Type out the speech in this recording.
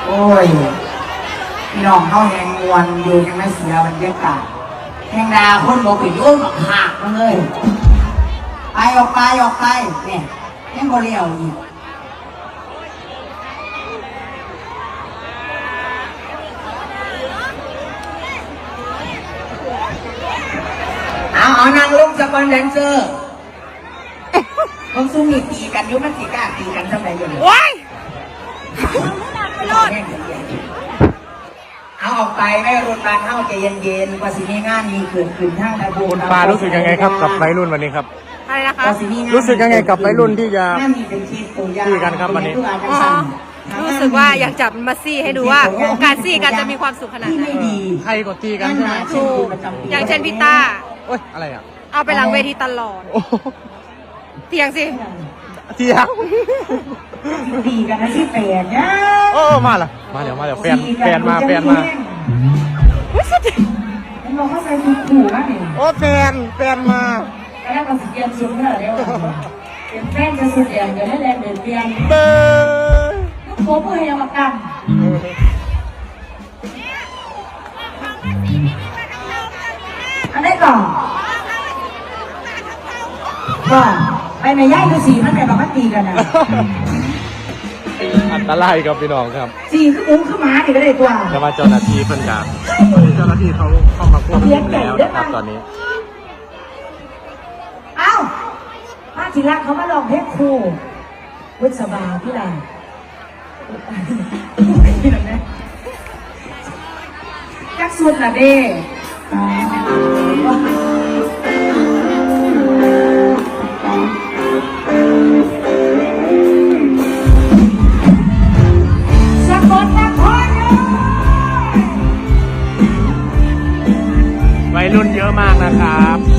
โอ้ยพี่น้องเข้าแหงมวนอยู่ยังไม่เสียบรรยากาศแหงดาคนบอกไปยุ่งหรอกหักมาเลยไปออกไปเนี่ยแหงโมเลียวอีกเอานางลุงสปอนแดนเซอร์ผมซุ่มมีตีกันยุ่งมันตีกล้าตีกันทำไมอยู่เนี่ยว้ายเอาออกไปไม่รุนแรงเข้าใจเย็นๆว่าสิมีงานมีเกิดขึ้นทั้งในโบสถ์คุณปารู้สึกยังไงครับกับวัยรุ่นวันนี้ครับอะไรนะคะรู้สึกยังไงกับวัยรุ่นที่จะซี่กันครับวันนี้รู้สึกว่าอยากจับมาซี่ให้ดูว่าการซี่กันจะมีความสุขขนาดไหนใครก็ตีกันใช่ไหมถูกอย่างเช่นพี่ต้าโอ๊ยอะไรอ่ะเอาไปหลังเวทีตลอดเตียงสิเตียงตีกันนะที่แฟนนะโอ้มาแล้วแฟนมามันบอกว่าใส่ชุดขู่มากเลยโอ้แฟนมาแล้วก็เปลี่ยนชุดเดี๋ยวเปลี่ยนแฟนจะสุดอย่างเดี๋ยวได้แรงเดินเปลี่ยนลูกโป๊ะเพื่อยังมากันอันนี้ก่อนไปในย่ายคือสีมันแต่แบบว่าตีกันนะอันตรายกับพี่น้องครับสีคืออุ้งคือม้าอีกก็ได้ตัวแต่ว่าเจ้าหน้าที่เพิ่นกับเจ้าหน้าที่เขาเข้ามาควบคุมแล้วนะครับตอนนี้เอ้าป้าจิรักเขามาลองเพลงครูวุฒิสบาพี่ลานจักสุดละเด้วัยรุ่นเยอะมากนะครับ